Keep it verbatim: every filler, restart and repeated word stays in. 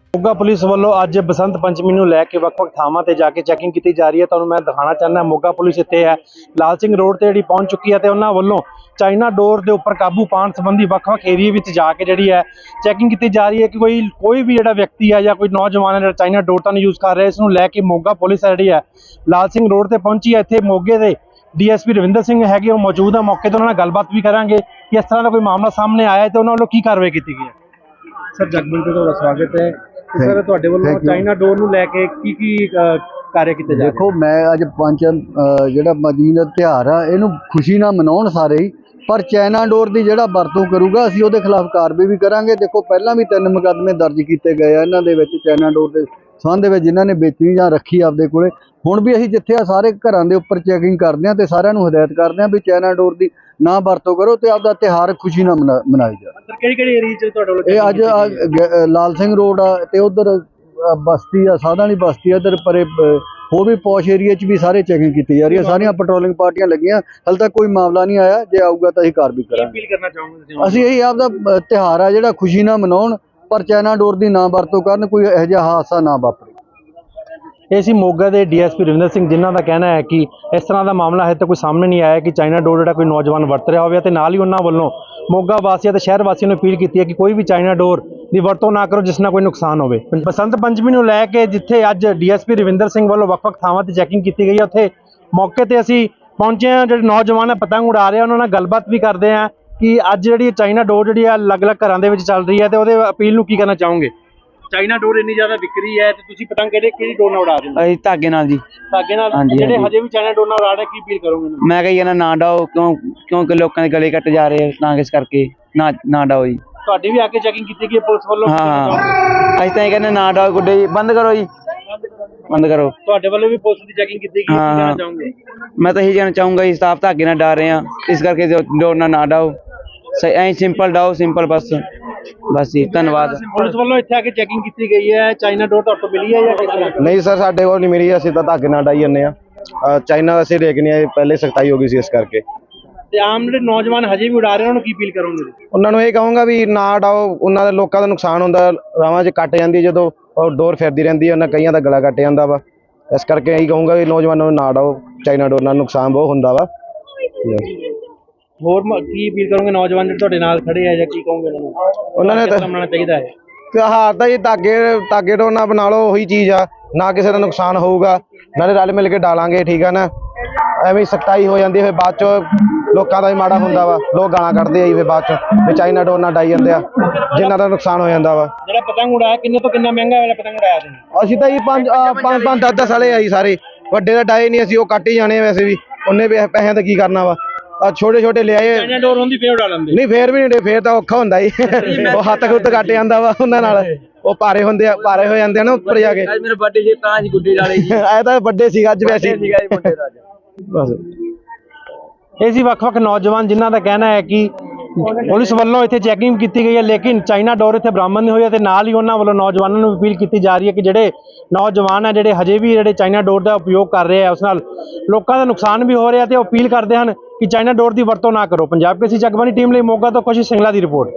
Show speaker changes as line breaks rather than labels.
Moga police वालों अज बसंत पंचमी नूं लैके वख-वख थावां ते जाके चैकिंग की जा रही है। तुहानूं मैं दिखाना चाहना मोगा पुलिस इत्थे है लाल सिंह रोड ते जिहड़ी पहुंच चुकी है। तो उन्हां वल्लों चाइना डोर के उपर काबू पाने संबंधी वख-वख एरिए में जाके जिहड़ी है चैकिंग की जा रही है कि कोई कोई भी जिहड़ा व्यक्ति है या कोई नौजवान है जिहड़ा चाइना डोर तो नहीं यूज़ कर रहा है। इसनूं लैके मोगा पुलिस है जिहड़ी है लाल सिंह रोड ते पहुंची है। इत्थे मोगे दे D S P Ravinder Singh है मौजूद है मौके तो उन्होंने गलबात भी करांगे कि इस तरह का कोई मामला सामने आया है तो उन्होंने की कार्रवाई की गई है। सर जगमिंट का स्वागत है सर, तुहाडे वल्लों चाइना डोर नूं लैके की की कार्य किए जा रहे?
देखो मैं अज पंच जिहड़ा पंचमी दा त्यौहार आ इहनूं खुशी नाल मनाउण सारे ही, पर चाइना डोर की जिहड़ा वरतों करूगा असीं उहदे खिलाफ कार्रवाई भी करांगे। देखो पहलां भी तीन मुकदमे दर्ज किए गए आ इन्हां दे विच चाइना डोर के संबंध में जिन्हां ने बेचनी जां रखी आपदे कोले। हुण भी असीं जिथे आ सारे घरां दे उपर चैकिंग करदे हां ते सारिआं नूं हदायत करदे हां भी चाइना डोर की ना वरतों करो ते आपदा त्यौहार खुशी नाल मना मनाई जाओ।
किहड़ी-किहड़ी एरिया च तुहाडे वल्लों
ये अज लाल सिंह रोड आ ते उधर बस्ती आ साधा वाली बस्ती इधर परे होर भी पौश एरिया च भी सारे चैकिंग की जा रही है। सारियां पेट्रोलिंग पार्टियां लगियां, हाले तक कोई मामला नहीं आया। जे आऊगा तो असीं कार्रवाई करांगे। असीं यही आपदा त्यौहार आ जिहड़ा खुशी नाल मनाउण, पर चाइना डोर की ना वरतों करन, कोई इहो जिहा हादसा ना वापरे।
ये सी मोगा के D S P Ravinder Singh जिन्हों का कहना है कि इस तरह का मामला है तो कोई सामने नहीं आया कि चाइना डोर जो कोई नौजवान वरत रहा हो। नाल ही उन्होंने वालों मोगा वासियों तो शहर वासियों ने अपील की है कि कोई भी चाइना डोर की वरतों ना करो जिस ना कोई नुकसान हो। बसंत पंचमी को लैके जिथे अज D S P Ravinder Singh वालों वख-वख थावां ते चैकिंग की गई है उत्थे मौके पर असीं पहुंचे हैं। जो नौजवान पतंग उड़ा रहे हैं उन्होंने गलबात भी करते हैं कि अज जी चाइना डोर जी अलग अलग घरों के चल रही है तो वो अपील नूं की करना चाहोगे? चाइना डोर इन्नी ज्यादा विक रही है तो तुसीं पतंग किहड़ी किहड़ी डोर नाल उड़ा रहे हो?
ਅਸੀਂ ਧਾਗੇ ਨਾਲ ਜੀ।
धागे नाल
हाँ जी,
जिहड़े
हाँ जी।
हजे भी चाइना डोर नाल उड़ा रहे की अपील करोगे?
ਮੈਂ ਕਹੀ ਜਾਂਦਾ ਨਾ ਡਾਓ ਕਿਉਂ ਕਿਉਂਕਿ ਲੋਕਾਂ ਦੇ ਗਲੇ ਕੱਟ ਜਾ ਰਹੇ ਆ ਤਾਂ ਇਸ ਕਰਕੇ ਨਾ ਨਾ ਡਾਓ ਜੀ।
ਤੁਹਾਡੀ ਵੀ ਆ ਕੇ ਚੈਕਿੰਗ ਕੀਤੀ ਗਈ ਪੁਲਿਸ ਵੱਲੋਂ?
ਹਾਂ ਹਾਂ ਅਸੀਂ ਤਾਂ ਇਹ ਕਹਿੰਦੇ ਨਾ ਡਾਓ ਗੁੱਡੇ ਜੀ ਬੰਦ ਕਰੋ ਜੀ ਬੰਦ ਕਰੋ।
ਤੁਹਾਡੇ ਵੱਲੋਂ ਵੀ ਪੁਲਿਸ ਦੀ ਚੈਕਿੰਗ ਕੀਤੀ ਗਈ ਕੀ
ਹਾਂ,
ਕਹਿਣਾ
ਹਾਂ।
ਚਾਹੋਗੇ?
ਮੈਂ ਤਾਂ ਇਹੀ ਕਹਿਣਾ ਚਾਹੂੰਗਾ ਜੀ ਸਾਫ ਧਾਗੇ ਨਾਲ ਡਾ ਰਹੇ ਆ ਇਸ ਕਰਕੇ ਡੋਰ ਨਾਲ ਨਾ ਡਾਓ ਸਹੀ ਐਂ ਸਿੰਪਲ ਡਾਓ ਸਿੰਪਲ ਬਸ ਬਸ ਜੀ ਧੰਨਵਾਦ।
ਪੁਲਿਸ ਵੱਲੋਂ ਇੱਥੇ ਆ ਕੇ ਚੈਕਿੰਗ ਕੀਤੀ ਗਈ ਹੈ ਚਾਈਨਾ ਡੋਰ ਤੁਹਾਡੇ ਮਿਲੀ ਹੈ ਜਾਂ ਕਿਸ ਤਰ੍ਹਾਂ?
नहीं सर साडे कोल नहीं मिली, असीं तां धागे नाल डाई जन्ने आ। चाइना असीं लेके नहीं आए, पहले सख्ताई हो गई सी इस करके।
ਤੇ ਆਮ ਜਿਹੜੇ ਨੌਜਵਾਨ ਹਜੇ ਵੀ ਉਡਾ ਰਹੇ ਉਹਨਾਂ ਨੂੰ ਕੀ ਅਪੀਲ ਕਰੋਗੇ?
ਉਹਨਾਂ ਨੂੰ ਇਹ ਕਹੂੰਗਾ ਵੀ ਨਾ ਡਾਓ, ਉਹਨਾਂ ਦੇ ਲੋਕਾਂ ਦਾ ਨੁਕਸਾਨ ਹੁੰਦਾ, ਰਾਵਾਂ 'ਚ ਕੱਟ ਜਾਂਦੀ ਜਦੋਂ ਉਹ ਡੋਰ ਫਿਰਦੀ ਰਹਿੰਦੀ ਹੈ, ਉਹਨਾਂ ਕਈਆਂ ਦਾ ਗਲਾ ਕੱਟ ਜਾਂਦਾ ਵਾ। ਇਸ ਕਰਕੇ ਇਹੀ ਕਹੂੰਗਾ ਵੀ ਨੌਜਵਾਨਾਂ ਨੂੰ ਨਾ ਡਾਓ, ਚਾਈਨਾ ਡੋਰ ਨਾਲ ਨੁਕਸਾਨ ਬਹੁਤ ਹੁੰਦਾ ਵਾ।
ਹੋਰ ਮ- ਕੀ ਅਪੀਲ ਕਰੋਗੇ ਨੌਜਵਾਨ ਜਿਹੜੇ ਤੁਹਾਡੇ ਨਾਲ ਖੜੇ ਆ ਜਾਂ ਕੀ ਕਹੋਗੇ ਉਹਨਾਂ ਨੂੰ?
ਉਹਨਾਂ ਨੇ
ਕਿਸ
ਤਾਂ
ਤਰ੍ਹਾਂ ਮਨਾਉਣਾ ਚਾਹੀਦਾ ਹੈ?
ਤਿਉਹਾਰ ਤਾਂ ਜੀ ਧਾਗੇ ਧਾਗੇ ਡੋਰ ਨਾਲ ਬਣਾ ਲਓ, ਉਹੀ ਚੀਜ਼ ਆ, ਨਾ ਕਿਸੇ ਦਾ ਨੁਕਸਾਨ ਹੋਊਗਾ, ਨਾਲੇ ਰਲ ਮਿਲ ਕੇ ਡਾਲਾਂਗੇ, ਠੀਕ ਆ ਨਾ। ਐਵੇਂ ਸਖਤਾਈ ਹੋ ਜਾਂਦੀ ਫਿਰ ਬਾਅਦ ਚ ਲੋਕਾਂ ਦਾ ਵੀ ਮਾੜਾ ਹੁੰਦਾ ਵਾ, ਲੋਕ ਗਾਲਾਂ ਕੱਢਦੇ ਆ ਜੀ ਫਿਰ ਬਾਅਦ ਚ ਵੀ ਚਾਈਨਾ ਡੋਰ ਨਾਲ ਡਾਈ ਜਾਂਦੇ ਆ, ਜਿਨ੍ਹਾਂ ਦਾ ਨੁਕਸਾਨ ਹੋ ਜਾਂਦਾ ਵਾ।
ਜਿਹੜਾ ਪਤੰਗ ਉਡਾਇਆ ਕਿੰਨੇ ਤੋਂ ਕਿੰਨਾ ਮਹਿੰਗਾ ਵਾਲਾ ਪਤੰਗ ਉਡਾਇਆ ਤੁਸੀਂ?
ਅਸੀਂ ਤਾਂ ਜੀ ਪੰਜ ਆਹ ਪੰਜ ਪੰਜ ਦਸ ਦਸ ਵਾਲੇ ਆ ਜੀ ਸਾਰੇ, ਵੱਡੇ ਦਾ ਡਾਏ ਨਹੀਂ, ਅਸੀਂ ਉਹ ਕੱਟ ਹੀ ਜਾਣੇ ਆ ਵੈਸੇ ਵੀ, ਉਹਨੇ ਵੀ ਪੈਸਿਆਂ ਦਾ ਕੀ ਕਰਨਾ ਵਾ। ਆ ਛੋਟੇ ਛੋਟੇ ਲਿਆਏ
ਚਾਈਨਾ ਡੋਰ ਹੁੰਦੀ ਫੇਰ ਉਡਾ ਲੈਂਦੇ?
ਨਹੀਂ ਫੇਰ ਵੀ ਨਹੀਂ, ਫੇਰ ਤਾਂ ਔਖਾ ਹੁੰਦਾ ਜੀ, ਉਹ ਹੱਥ ਹੁੱਤ ਕੱਟ ਜਾਂਦਾ ਵਾ ਉਹਨਾਂ ਨਾਲ, ਉਹ ਭਾਰੇ ਹੁੰਦੇ ਆ, ਭਾਰੇ ਹੋ ਜਾਂਦੇ ਆ ਨਾ ਉੱਪਰ ਜਾ ਕੇ।
ਅੱਜ ਮੇਰੇ ਬਰਥਡੇ ਜੀ ਤਾਂ ਜੀ ਗੁੱਡੀ ਡਾਲੇ ਜੀ
ਐ ਤਾਂ ਵੱਡੇ ਸੀਗਾ ਅੱਜ ਵੈਸੇ
ਸੀਗਾ ਜੀ ਮੁੰਡੇ ਦਾ
ਬਸ।
ਇਹ ਸੀ ਵੱਖ-ਵੱਖ ਨੌਜਵਾਨ ਜਿਨ੍ਹਾਂ ਦਾ ਕਹਿਣਾ ਹੈ ਕਿ ਪੁਲਿਸ ਵੱਲੋਂ ਇੱਥੇ ਚੈਕਿੰਗ ਕੀਤੀ ਗਈ ਹੈ ਲੇਕਿਨ ਚਾਈਨਾ ਡੋਰ ਇੱਥੇ ਬਰਾਮਦ ਨਹੀਂ ਹੋਈ ਅਤੇ ਨਾਲ ਹੀ ਉਹਨਾਂ ਵੱਲੋਂ ਨੌਜਵਾਨਾਂ ਨੂੰ ਅਪੀਲ ਕੀਤੀ ਜਾ ਰਹੀ ਹੈ ਕਿ ਜਿਹੜੇ ਨੌਜਵਾਨ ਹੈ ਜਿਹੜੇ ਹਜੇ ਵੀ ਜਿਹੜੇ ਚਾਈਨਾ ਡੋਰ ਦਾ ਉਪਯੋਗ ਕਰ ਰਹੇ ਆ ਉਸ ਨਾਲ ਲੋਕਾਂ ਦਾ ਨੁਕਸਾਨ ਵੀ ਹੋ ਰਿਹਾ ਤੇ ਉਹ ਅਪੀਲ ਕਰਦੇ ਹਨ ਕਿ ਚਾਈਨਾ ਡੋਰ ਦੀ ਵਰਤੋਂ ਨਾ ਕਰੋ। ਪੰਜਾਬ ਕੇਸਰੀ ਜਗਬਾਣੀ ਟੀਮ ਲਈ ਮੋਗਾ ਤੋਂ ਕੋਸ਼ਿਸ਼ ਸਿੰਗਲਾ ਦੀ ਰਿਪੋਰਟ।